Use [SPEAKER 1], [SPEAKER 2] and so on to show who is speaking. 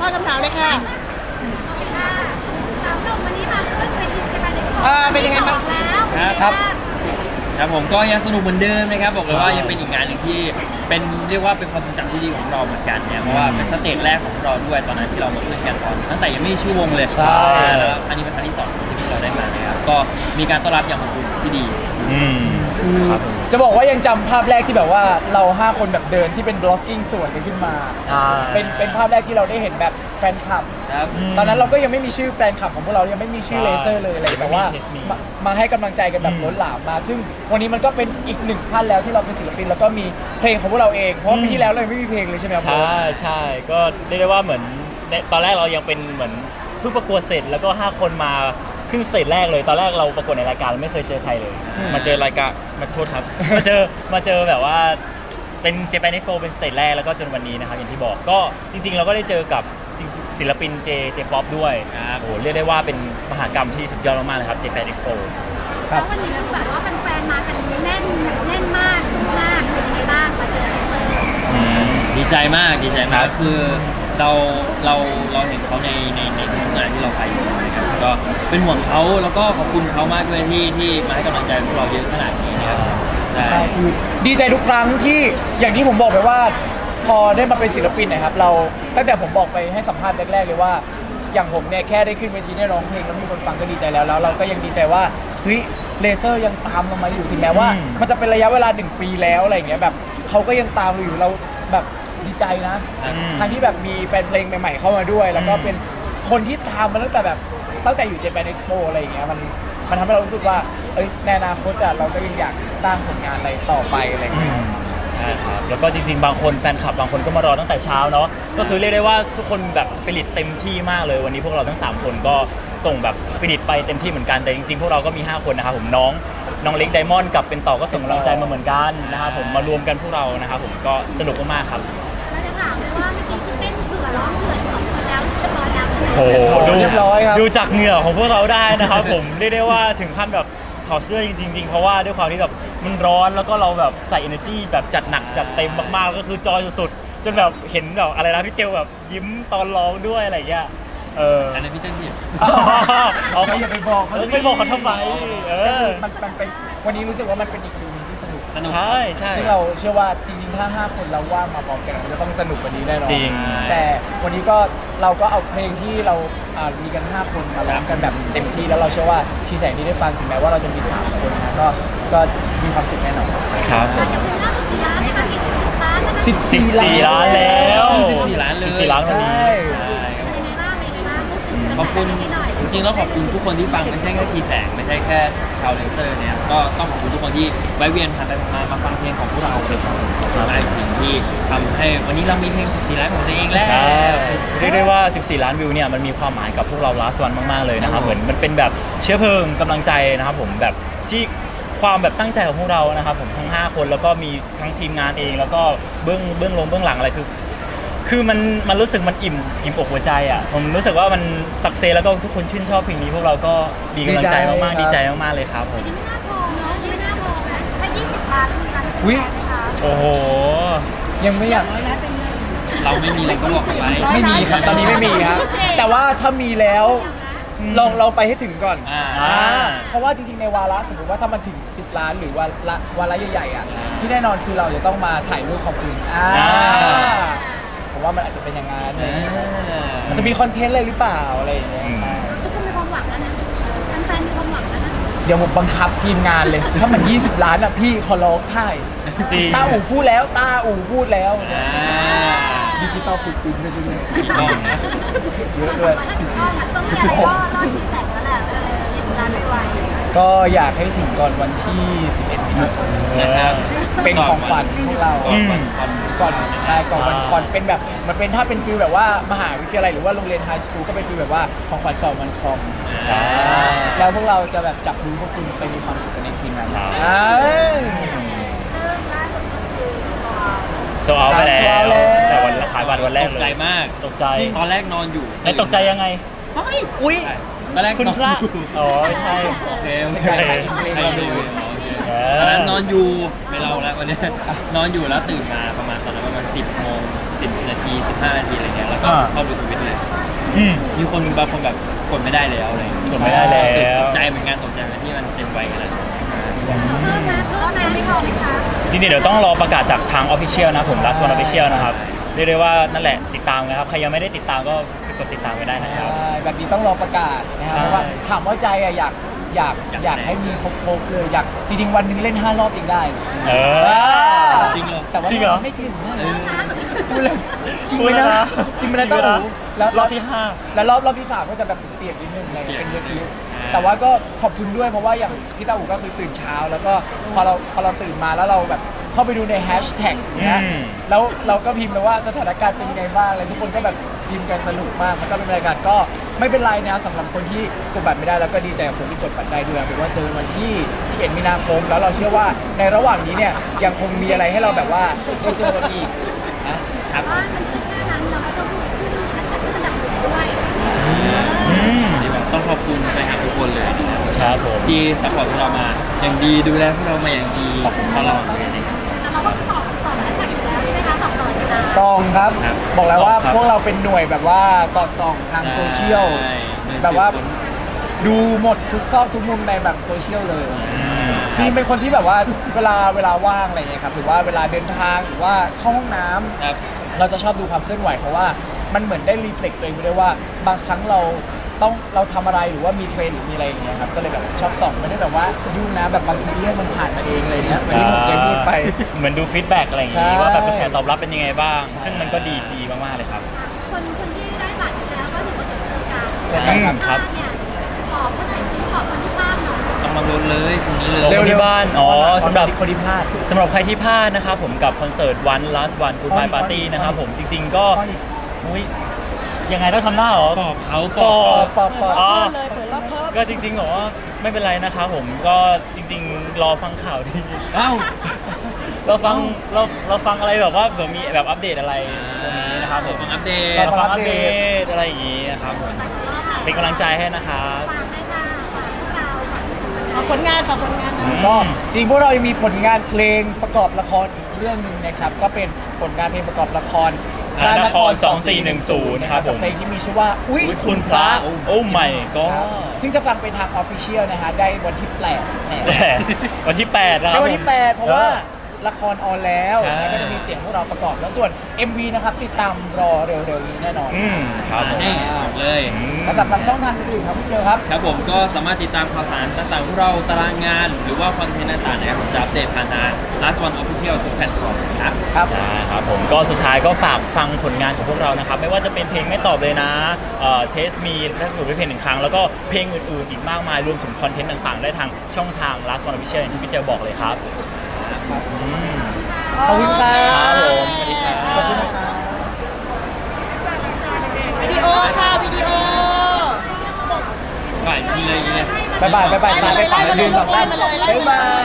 [SPEAKER 1] คำถามเลยค่ะ
[SPEAKER 2] สามหนุ่มวันนี้มาขึ้นเป็นจะมาในส
[SPEAKER 1] เป็นยังไงบ้าง
[SPEAKER 2] แล้ว
[SPEAKER 3] ครับผมก็ยังสนุกเหมือนเดิมนะครับบอกเลยว่ายังเป็นอีกงานหนึ่งที่เป็นเรียกว่าเป็นความทรงจำที่ดีของเราเหมือนกันเนี่ยเพราะว่าเป็นสเตจแรกของเราด้วยตอนนั้นที่เรามาขึ้นกันตอนตั้งแต่ยังไม่มีชื่อวงเลย
[SPEAKER 4] ใช่
[SPEAKER 3] แล้วอันนี้เป็นครั้งที่2ที่เราได้มานะครับก็มีการต้อนรับอย่างอบอุ่นที่ดี
[SPEAKER 4] จะบอกว่ายังจำภาพแรกที่แบบว่าเรา5คนแบบเดินที่เป็นบล็อกกิ้งสวนกันขึ้นมาเป็นภาพแรกที่เราได้เห็นแบบแฟนคลับ
[SPEAKER 3] ครับ
[SPEAKER 4] ตอนนั้นเราก็ยังไม่มีชื่อแฟนคลับของพวกเรายังไม่มีชื่อเลเซอร์เลยอะไรแต่ว่ามาให้กำลังใจกันแบบล้นหลามมากซึ่งวันนี้มันก็เป็นอีกหนึ่งขั้นแล้วที่เราเป็นศิลปินแล้วก็มีเพลงของพวกเราเองเพราะว่าปีที่แล้วเราไม่มีเพลงเลยใช่ไหมครับ
[SPEAKER 5] ใช่ก็เรียกได้ว่าเหมือนตอนแรกเรายังเป็นเหมือนเพิ่งประกวดเสร็จแล้วก็5คนมาขึ้นสเตจแรกเลยตอนแรกเราประกวดในรายการเราไม่เคยเจอใครเลยมาเจอรายการมาโทษครับ มาเจอแบบว่าเป็น Japan Expo เป็นสเตจแรกแล้วก็จนวันนี้นะครับอย่างที่บอกก็จริงๆเราก็ได้เจอกับศิลปิน J-Pop ด้วยโอ้โหเรียกได้ว่าเป็นมหากรรมที่สุดยอดมากๆเลยครับ Japan Expo
[SPEAKER 2] แล้ววันนี้แบบว่าแฟนๆมากันแน่นแบบแน่นมากสู้มากเป็นยังไงบ้างมาเจอเลเซอร์
[SPEAKER 3] ดีใจมากคือเราเห็นเขาในทุกงานที่เราไปอยู่นะครับก็เป็นห่วงเขาแล้วก็ขอบคุณเขามากด้วยที่มาให้กำลังใจพวกเราเยอะขนาดนี้นะครับใช่
[SPEAKER 4] ใช่คือดีใจทุกครั้งที่อย่างที่ผมบอกไปว่าพอได้มาเป็นศิลปินนะครับเราตั้งแต่ผมบอกไปให้สัมภาษณ์แรกๆเลยว่าอย่างผมเนี่ยแค่ได้ขึ้นเวทีได้ร้องเพลงแล้วมีคนฟังก็ดีใจแล้วเราก็ยังดีใจว่าเฮ้ยเลเซอร์ยังตามเรามาอยู่ถึงแม้ว่ามันจะเป็นระยะเวลา1 ปีแล้วอะไรอย่างเงี้ยแบบเขาก็ยังตามเราอยู่เราแบบดีใจนะทั้งที่แบบมีแฟนเพลงใหม่ๆเข้ามาด้วย แล้วก็เป็นคนที่ตามมาตั้งแต่อยู่ Japan Expo อะไรอย่างเงี้ยมันทำให้เรารู้สึกว่าในอนาคตเราก็ยังอยากสร้างผลงานอะไรต่อไปอะไรอย่างเงี้ย
[SPEAKER 5] ใช่ครับแล้วก็จริงๆบางคนแฟนคลับบางคนก็มารอตั้งแต่เช้าเนาะก็คือเรียกได้ว่าทุกคนแบบสปิริตเต็มที่มากเลยวันนี้พวกเราทั้ง3คนก็ส่งแบบสปิริตไปเต็มที่เหมือนกันแต่จริงๆพวกเราก็มี5คนนะครับผมน้องเล็กไดมอนด์กับเป็นต่อก็ส่งกำลังใจมาเหมือนกันนะครับผมมารวมกันพวกเรานะครับผมก็สนุกมากๆครับ
[SPEAKER 2] เราจะถามเลยว่าเมื่อกี้ที่เต้นเผื่อร้องเผื่อสองคนแล้วเรียบร้อยแล้วใช่ไหม
[SPEAKER 5] โอ้โห
[SPEAKER 4] เรียบร้อยครับ
[SPEAKER 5] ดูจากเหงื่อของพวกเราได้นะครับผมเรียกได้ว่าถึงขั้นแบบถอดเสื้อจริงๆเพราะว่าด้วยความที่แบบมันร้อนแล้วก็เราแบบใส่ energy แบบจัดหนักจัดเต็มมากๆก็คือจอยสุดๆจนแบบเห็นแบบอะไรนะพี่เจลแบบยิ้มตอนร้องด้วยอะไรอย่างเงี้ย
[SPEAKER 3] อันนั้นพี่เต้นผิด
[SPEAKER 5] เอา
[SPEAKER 4] อย่าไปบอกเขาสิ
[SPEAKER 5] ไม่บอกเขาทำไม
[SPEAKER 4] มันเป็นวันนี้รู้สึกว่ามันเป็นอีกฟิลนึงที่สนุก
[SPEAKER 5] ใช่
[SPEAKER 4] ซึ่งเราเชื่อว่าจริงๆถ้า5คนเราว่างมาพร้อมกันมันจะต้องสนุกกว่านี้แน่นอน
[SPEAKER 5] จริง
[SPEAKER 4] แต่วันนี้ก็เราก็เอาเพลงที่เรามีกัน5คนมาร้องกันแบบเต็มที่แล้วเราเชื่อว่าชีแสงที่ได้ฟังถึงแม้ว่าเราจะมี3คนนะก็มีความสุขแน่นอน
[SPEAKER 5] ครับ
[SPEAKER 2] เราจะเป็นล่าสุดกี่ล้านในการมี10 ล้านแล้วนะ
[SPEAKER 5] 14 ล้านแล้ว
[SPEAKER 3] 14 ล้านเลย
[SPEAKER 5] 14 ล้านวันนี้
[SPEAKER 2] เป็นยังไงบ้างเป็นยังไงบ้าง
[SPEAKER 3] ขอบคุณจริงๆต้องขอบคุณทุกคนที่ฟังไม่ใช่แค่ชีแสงไม่ใช่แค่ชาวเลนเซอร์เนี่ยก็ต้องขอบคุณทุกคนที่แวะเวียนผ่านไปมาฟังเพลงของพวกเราเป็นหลายสิ่งที่ทำให้วันนี้เรามีเพลง14 ล้านของตัวเองแล้ว
[SPEAKER 5] ใช่เรียกได้ว่า 14 ล้านวิวเนี่ยมันมีความหมายกับพวกเรา last one มากๆเลยนะครับเหมือนมันเป็นแบบเชื้อเพลิงกำลังใจนะครับผมแบบที่ความแบบตั้งใจของพวกเรานะครับผมทั้ง5คนแล้วก็มีทั้งทีมงานเองแล้วก็เบื้องหลังอะไรคือมันรู้สึกมันอิ่มอกหัวใจอ่ะผมรู้สึกว่ามันสักเซสแล้วก็ทุกคนชื่นชอบเพลงนี้พวกเราก็ดีกำลังใจมากๆดีใจมากๆเลยครับผม
[SPEAKER 2] ไม่น่าพอเนาะไม่น่าพอนะถ้า20 ล้านมีการ
[SPEAKER 4] อุ๊ย
[SPEAKER 5] โอ้โห
[SPEAKER 4] ยังไม่อยาก
[SPEAKER 3] เราไม่มีอะไรก็บอกไป
[SPEAKER 4] ไม่มีครับตอนนี้ไม่มีครับแต่ว่าถ้ามีแล้วลองไปให้ถึงก่อน เพราะว่าจริงๆในวาระสมมติว่าถ้ามันถึง10 ล้านหรือวาระใหญ่ๆอ่ะที่แน่นอนคือเราจะต้องมาถ่ายรูปขอบคุณผมว่ามันอาจจะเป็นอย่างนั้นมันจะมีคอนเทนต์อะไรหรือเปล่าอะไรอย่างเงี้ยใช่
[SPEAKER 2] ทุกคนมีความหวังแล้วนะแฟนๆมีความหวังแล้วนะ
[SPEAKER 4] เดี๋ยวผมบังคับทีมงานเลย ถ้ามัน20 ล้านอ่ะพี่ขอร้องถ่าย
[SPEAKER 5] จริง
[SPEAKER 4] ตาอู่พูดแล้วดิจิตอลฟุตปรินท์ด้วยใช่ไหม
[SPEAKER 3] อีกรอบนะ
[SPEAKER 4] เยอะด้วย
[SPEAKER 2] ถ้าถึงก้อนต้องมีอะไรก็รอดที่แสงแล้วแหละ20 ล้านไม่ไหว
[SPEAKER 4] ก็อยากให้ถึงก่อนวันที่ 11 มิถุนายน
[SPEAKER 3] นะครับ
[SPEAKER 4] เป็นของขวัญพวกเรา
[SPEAKER 3] ก่อนวันคอน
[SPEAKER 4] ก่อนใช่ก่อนวันคอนเป็นแบบมันเป็นถ้าเป็นฟิลแบบว่ามหาวิทยาลัยหรือว่าโรงเรียนไฮสคูลก็เป็นฟิลแบบว่าของขวัญก่อนวันคอม
[SPEAKER 5] ใช่
[SPEAKER 4] แล้วพวกเราจะแบบจับมือพวกคุณไปมีความสุขกันในคืนนั้น
[SPEAKER 5] ใช่
[SPEAKER 2] ซึ่งล่าสุดก็คือ
[SPEAKER 5] โซเอาไปแล้
[SPEAKER 4] โซเอาแล้ว ว
[SPEAKER 5] แต่วันขายบัตรวันแรก
[SPEAKER 3] ต
[SPEAKER 5] เล
[SPEAKER 3] กใจ
[SPEAKER 5] ย
[SPEAKER 3] มาก
[SPEAKER 5] ตกใจ
[SPEAKER 3] ตอนแรกนอนอยู่
[SPEAKER 5] ไอ้ตกใจยังไง
[SPEAKER 4] อุ้ย
[SPEAKER 3] ตอนแรก
[SPEAKER 5] คุณ
[SPEAKER 3] นอน
[SPEAKER 5] พระ
[SPEAKER 3] อยู่
[SPEAKER 5] อ๋อใช่
[SPEAKER 3] โอเค
[SPEAKER 4] ใครดู
[SPEAKER 3] ตอนนั้นนอนอยู่ไม่เล่าแล้ววันนี้นอนอยู่แล้วตื่นมาประมาณตอนนั้นประมาณ10 โมง 10 นาที 15 นาทีอะไรเงี้ยแล้วก็เข้าดูทวิตเลย
[SPEAKER 5] อืม
[SPEAKER 3] มีคนบางคนแบบกดไม่ได้แล้วอะไรอย่างเงี้ย
[SPEAKER 5] กดไม่ได้แล้ว
[SPEAKER 3] ตกใจเหมือนกันตกใจเหมือนที่มันเต็มไปกันแล้ว
[SPEAKER 2] เพิ่มไหมไม่พอไหมคะ
[SPEAKER 5] จริงๆเดี๋ยวต้องรอประกาศจากทาง Official นะผม Last One Official นะครับเรียกได้ว่านั่นแหละติดตามนะครับใครยังไม่ได้ติดตามก็ไปกดติดตามไว้ได้นะครับ
[SPEAKER 4] ใช่แบบนี้ต้องรอประกาศนะครับ
[SPEAKER 5] ใช่
[SPEAKER 4] เพราะว่าถามว่าใจอะอยากให้มีครบๆเลยอยากจริงๆวันหนึงเล่น5 รอบอีกได้
[SPEAKER 5] เออ
[SPEAKER 3] จริงเหรอ
[SPEAKER 4] แต่ว่า
[SPEAKER 5] จริงเหรอ
[SPEAKER 4] ไม่ถึงนะ
[SPEAKER 3] เออ
[SPEAKER 4] พูดเลยจริง
[SPEAKER 5] พู
[SPEAKER 4] ไห
[SPEAKER 5] ด
[SPEAKER 4] ม
[SPEAKER 5] แล้ว
[SPEAKER 4] นะ
[SPEAKER 5] นะ
[SPEAKER 4] จริงไหมนะเต้าหูแล้ว
[SPEAKER 5] รอบที่
[SPEAKER 4] แล้วรอบที่3ก็จะแบบเปียกนิดนึงอะไรเป็นเยอะคิ้ว
[SPEAKER 3] อ่า
[SPEAKER 4] แต่ว่าก็ขอบคุณด้วยเพราะว่าอย่างพี่เต้าหูก็คือตื่นเช้า แล้วก็พอเราตื่นมาแล้วเราแบบเข้าไปดูในแฮชแท็กเนี้ย
[SPEAKER 5] อืม
[SPEAKER 4] แล้วเราก็พิมพ์ไปว่าสถานการณ์เป็นยังไงบ้างอะไรทุกคนก็แบบพิมพ์กันสนุกมากมันก็เป็นบรรยากาศก็ไม่เป็นไรนะสำหรับคนที่กดบัตรไม่ได้แล้วก็ดีใจกับคนที่กดบัตรได้ด้วยเป็นว่าเจอวันที่ 11 มีนาคมแล้วเราเชื่อว่าในระหว่างนี้เนี่ยยังคงมีอะไรให้เราแบบว่าได้เจอกันอีกนะ
[SPEAKER 3] ครับ
[SPEAKER 2] ว่ามันเป็นแค่นั้นเราก็ต้องขึ้นอันดับหนึ่งด้วย
[SPEAKER 5] อืม
[SPEAKER 3] ต้องขอบคุณแฟนคลับทุกคนเลยนะครับ
[SPEAKER 5] ครับผม
[SPEAKER 3] ที่ซัพพอร์ตพวกเรามาอย่างดีดูแลพวกเรามาอย่างดีตลอดเลยนะครับ
[SPEAKER 2] แต่เราก็สอบแฮชแท็กอยู่แล้วใช่ไหมคะสอบตลอดเวลา
[SPEAKER 4] ซองครับ
[SPEAKER 3] ครับ
[SPEAKER 4] บอกแล้วว่า
[SPEAKER 5] ครับ
[SPEAKER 4] พวกเราเป็นหน่วยแบบว่าสอดส่องทางโซเชียล
[SPEAKER 3] ใช่
[SPEAKER 4] แบบว่าดูหมดทุกซอกทุกมุมในแบบโซเชียลเลย
[SPEAKER 5] อืม
[SPEAKER 4] จริงๆเป็นคนที่แบบว่าเวลาว่างอะไรอย่างเงี้ยครับหรือว่าเวลาเดินทางหรือว่าเข้าห้องน้ำ
[SPEAKER 3] ครับ
[SPEAKER 4] เราจะชอบดูความเคลื่อนไหวเพราะว่ามันเหมือนได้รีเฟล็กตัวเองไปด้วยว่าบางครั้งเราทำอะไรหรือว่ามีเทรนด์หรือมีอะไรอย่างเงี้ยครับก็เลยแบบชอบส่องไม่ได้แบบว่ายุ่งนะแบบบางทีเรื่องมันผ่านมาเองอะไรเงี้ยเหมือนที่ผมเคยพูดไป
[SPEAKER 5] เหมือนดูฟีดแบ็กอะไรอย่างงี้
[SPEAKER 4] ใช่
[SPEAKER 5] ว่าแบบกระแสตอบรับเป็นยังไงบ้าง ซึ่งมันก็ดีมากๆเลยครับ
[SPEAKER 2] คนที่ได้บัตรแล้วก็ถือว่าเจอกัน
[SPEAKER 4] เจอกันครับ
[SPEAKER 5] ครับ
[SPEAKER 2] เนี่ยขอคนไหนซิขอคนที่พลาดหน่อย
[SPEAKER 3] ต้องมาลุ้นเลยพรุ่งนี้เลย
[SPEAKER 5] เร็ว ที่บ้านอ๋อสำหรับ
[SPEAKER 4] คนที่พลาด
[SPEAKER 5] สำหรับใครที่พลาดนะครับผมกับคอนเสิร์ต One Last One Goodbye Party นะครับผมจริง ๆ ก็อุ้ยยังไงต้องทำหน้าเหรอ
[SPEAKER 3] บอกเขา
[SPEAKER 5] ปอ
[SPEAKER 4] ปอ
[SPEAKER 5] อ๋อ
[SPEAKER 1] เลยเปิดรอบเพิ่ม
[SPEAKER 5] ก็จริงๆเหรอไม่เป็นไรนะครับผมก็จริง ๆ รอฟังข่าวดี
[SPEAKER 3] เอ้า
[SPEAKER 5] เราฟังอะไรแบบว่าแบบมีแบบอัปเดตอะไรตรงนี้นะครับผม
[SPEAKER 3] ฟังอัปเดต
[SPEAKER 5] เราฟังอัปเดตอะไรอย่างงี้นะครับผมเป็นกำลังใจให้นะครับ
[SPEAKER 2] ฝากให้ค่ะฝากพวกเรา
[SPEAKER 1] ฝากผลงานฝากผลงาน
[SPEAKER 4] ก็จริงพวกเรายังมีผลงานเพลงประกอบละครอีกเรื่องหนึ่งนะครับก็เป็นผลงานเพลงประกอบละคร
[SPEAKER 5] พระนคร2410ครับผม
[SPEAKER 4] เพลงที่มีชื่อว่าอุ๊ย
[SPEAKER 5] อุ๊ยคุณพระโอ้ไม่ก็
[SPEAKER 4] ครับซึ่งจะฟังเป็นทางออฟฟิเชียลนะฮะได้วันที่8
[SPEAKER 5] วันที่8นะค
[SPEAKER 4] ใน
[SPEAKER 5] รับ
[SPEAKER 4] วันที่ 8 เพราะว่าละครออนแล้ว
[SPEAKER 5] ใช่
[SPEAKER 4] แล้วก็จะมีเสียงพวกเราประกอบแล้วส่วน MV นะครับติดตามรอเร็วๆนี้แน่นอน
[SPEAKER 5] อืมครับผม
[SPEAKER 3] นี่บอกเลย
[SPEAKER 4] แล้วสำหรับช่องทางอื่นๆครับพี่เจอครับ
[SPEAKER 3] ครับผมก็สามารถติดตามข่าวสารต่างๆพวกเราตารางงาน หรือว่าคอนเทนต์ต่างๆนะครับผมจะอัปเดตผ่านทาง Last One Official ทุกแพลตฟอร์มครับ
[SPEAKER 4] ครับ
[SPEAKER 5] ใช่ครับผมก็สุดท้ายก็ฝากฟังผลงานของพวกเรานะครับ ไม่ว่าจะเป็นเพลงไม่ตอบเลยนะเทสมีและถูกไปเพลงหนึ่งครั้ง แล้วก็เพลงอื่นๆ อีกมากมายรวมถึงคอนเทนต์ต่างๆ ได้ทางช่องทาง Last One Official อย่างที่พี่เจบอกเลยครับอืม
[SPEAKER 4] ขอบคุณครั
[SPEAKER 5] ครับ
[SPEAKER 4] บ
[SPEAKER 5] ผมสวัสดีครับ
[SPEAKER 4] ขอบคุณนะครับ
[SPEAKER 1] วิดีโอค่ะ วิดีโอ
[SPEAKER 3] ฝ่ายยิงเลยยิงเลย
[SPEAKER 4] บ๊ายบายสายไปฝั่ง
[SPEAKER 1] ไล่มาเลย
[SPEAKER 4] 1 2 3
[SPEAKER 1] ไล่มาเลย
[SPEAKER 4] บ๊ายบาย